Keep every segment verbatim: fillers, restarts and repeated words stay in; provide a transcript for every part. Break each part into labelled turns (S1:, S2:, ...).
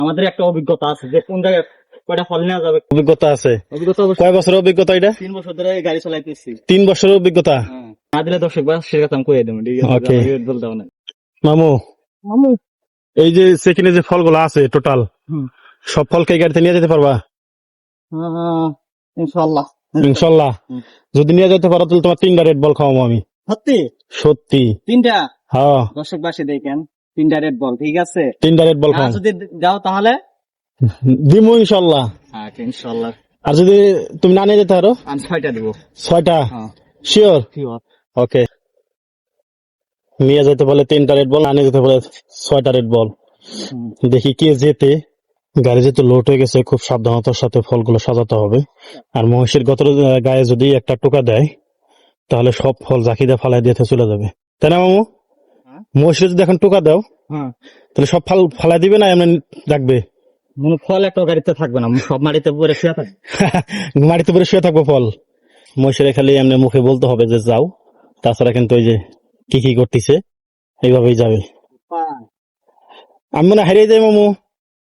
S1: আমাদের একটা অভিজ্ঞতা আছে যে কোন জায়গায় কয়টা ফল নেওয়া যাবে।
S2: অভিজ্ঞতা আছে?
S1: অভিজ্ঞতা অবশ্যই।
S2: কয় বছরের অভিজ্ঞতা এটা?
S1: তিন বছর ধরে গাড়ি চালাইতেছি।
S2: তিন বছরের অভিজ্ঞতা?
S1: হ্যাঁ। না দিলে দর্শক বা সে কথা আমি কয়ে দেবো, ঠিক আছে?
S2: ওকে।
S1: আমাকে বলতে হবে না।
S2: মামু,
S1: মামু।
S2: এই যে সেকেন্ডে যে ফলগুলো আছে টোটাল,
S1: হুম।
S2: সব ফলকে গাড়িতে নিয়ে যেতে পারবা?
S1: আহ, ইনশাআল্লাহ।
S2: ইনশাল্লাহ।
S1: হুম।
S2: যদি নিয়ে যেতে পারো তাহলে তোমার তিনটা রেড বল খাওয়াবো আমি।
S1: সত্যি?
S2: সত্যি?
S1: তিনটা?
S2: হ্যাঁ,
S1: দর্শক বাসী দেখেন, তিনটা রেড বল, ঠিক আছে?
S2: তিনটা রেড বল
S1: আর
S2: খাও।
S1: যদি যাও তাহলে
S2: দিমু ইনশাল্লাহ।
S1: হ্যাঁ, ইনশাআল্লাহ।
S2: আর যদি তুমি না নিয়ে যেতে পারো?
S1: আমি ছয়টা দিব।
S2: ছয়টা?
S1: হ্যাঁ,
S2: শিওর?
S1: শিওর।
S2: ওকে। নিয়ে যেতে বলে তিনটা রেড বল, না নিয়ে যেতে বলে ছয়টা রেড বল।
S1: হুম।
S2: দেখি কে যেতে। গাড়ি যেতে লোড হয়ে গেছে, খুব সাবধানতার সাথে ফলগুলো সাজাতে হবে। আর মহিষের গতর গায়ে যদি একটা টোকা দেয় তাহলে সব ফল জাকিদা ফালাই দিয়ে চলে যাবে, তাই না মামু?
S1: হ্যাঁ।
S2: মহিষের যদি এখন টোকা দাও
S1: হ্যাঁ,
S2: তাহলে সব ফল ফালাই দিবে না এমনি রাখবে?
S1: মনে ফল একটা গাড়িতে থাকবে না, সব মাটিতে পরে শুয়ে থাকবে।
S2: মাটিতে পরে শুয়ে থাকবো ফল। মহিষের খালি এমনি মুখে বলতে হবে যে যাও, তাছাড়া কিন্তু ওই যে কি কি করতেছে এইভাবেই যাবে। আমি মনে হারিয়ে যাই মামু।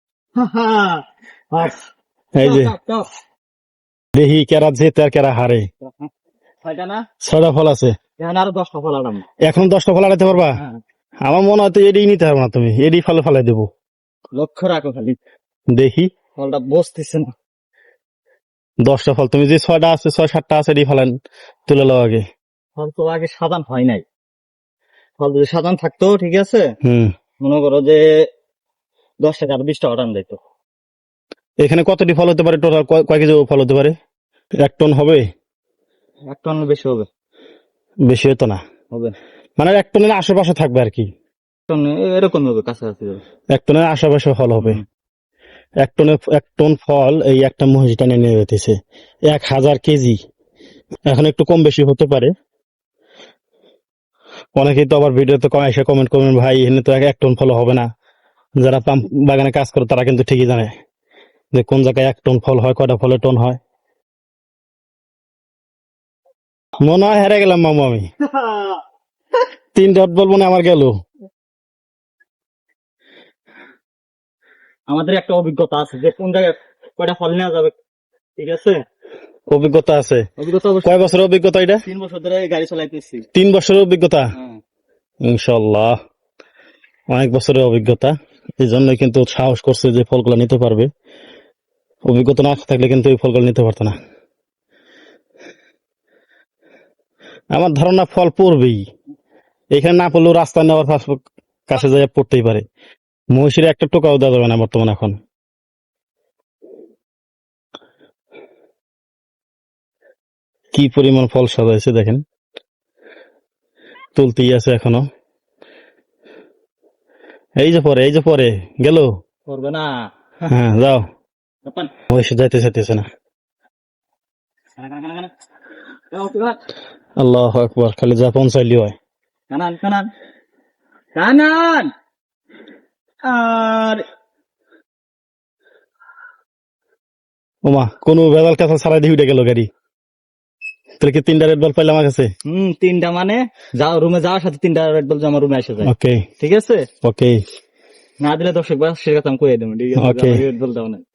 S2: এই যে দেখি কেরা জেতে আর কেরা হারে।
S1: ছয়টা না?
S2: ছয়টা ফল আছে,
S1: এখন আরো দশটা ফল আনাম।
S2: এখন দশটা ফল আনাতে পারবা?
S1: হ্যাঁ।
S2: আমার মনে হয় তো এডি নিতে পারবো না, তুমি এডি ফলে ফেলাই দেবো।
S1: লক্ষ্য রাখো খালি,
S2: দেখি
S1: ফলটা বসতেছে না।
S2: দশটা ফল, তুমি যে ছয়টা আছে ছয় সাতটা আছে এডি ফেলান তুলে লো আগে।
S1: ফল তো আগে সাজান হয় নাই, ফল যদি সাজান থাকতো, ঠিক আছে,
S2: হুম।
S1: মনে করো যে দশ টাকা আর বিশ টাকা টান দিত।
S2: এখানে কতটি ফল হতে পারে টোটাল? কয় কেজি ফল হতে পারে? এক টন হবে?
S1: এক টন বেশি হবে।
S2: বেশি হতো না?
S1: হবে
S2: মানে এক টনের আশেপাশে থাকবে আর কি।
S1: টন এরকম হবে, কাছাকাছি হবে।
S2: এক টনের আশেপাশে ফল হবে।
S1: হুম।
S2: এক টনে এক টন ফল এই একটা মহিষ টানে নিয়ে যেতেছে, এক হাজার কেজি। এখন একটু কম বেশি হতে পারে। অনেকেই তো আবার ভিডিওতে এসে কমেন্ট করবেন, ভাই এখানে তো এক টন ফল হবে না। যারা পাম বাগানে কাজ করে তারা কিন্তু ঠিকই জানে যে কোন জায়গায় এক টন ফল হয়, কয়টা ফলে টন হয়। মনে হয় হেরে গেলাম মামু আমি। তিন ডট বলবো না আমার গেল।
S1: আমাদের একটা অভিজ্ঞতা আছে যে কোন জায়গায় কয়টা ফল নেওয়া যাবে, ঠিক আছে?
S2: অভিজ্ঞতা আছে?
S1: অভিজ্ঞতা অবশ্যই।
S2: কয় বছরের অভিজ্ঞতা এটা?
S1: তিন বছর ধরে গাড়ি চালাইতেছি।
S2: তিন বছরের অভিজ্ঞতা?
S1: হ্যাঁ।
S2: ইনশাল্লাহ অনেক বছরের অভিজ্ঞতা, এই জন্যই কিন্তু সাহস করছে যে ফলগুলো নিতে পারবে। অভিজ্ঞতা না থাকলে কিন্তু এই ফলগুলো নিতে পারতো না। আমার ধারণা ফল পড়বেই, এখানে না পড়লেও রাস্তা নেওয়ার কাছে যাই পড়তেই পারে। মহিষের একটা টোকাও দেওয়া যাবে না বর্তমানে। এখন কি পরিমাণ ফল সাজাইছে দেখেন, তুলতেই আছে এখনো। এই যে পরে, এই যে পরে গেল,
S1: করবে না।
S2: হ্যাঁ যাও। মহিষ যাইতে চাইতেছে না। আল্লাহু আকবার, খালি যা পৌঁছাইলি হয়।
S1: কানান কানান কানান। আর
S2: ওমা, কোন ভেজাল কাঁচা ছাড়াই দিয়ে উঠে গেল গাড়ি। তাহলে কি তিনটা রেড বল পাইলাম আমার কাছে?
S1: হম তিনটা মানে যাও রুমে যাওয়ার সাথে তিনটা রেড বল আমার রুমে এসে যায়।
S2: ওকে,
S1: ঠিক আছে?
S2: ওকে।
S1: না দিলে দর্শক বা সে কথা আমি কয়ে দেবো, ঠিক আছে?
S2: ওকে।
S1: রেড বল দাও না।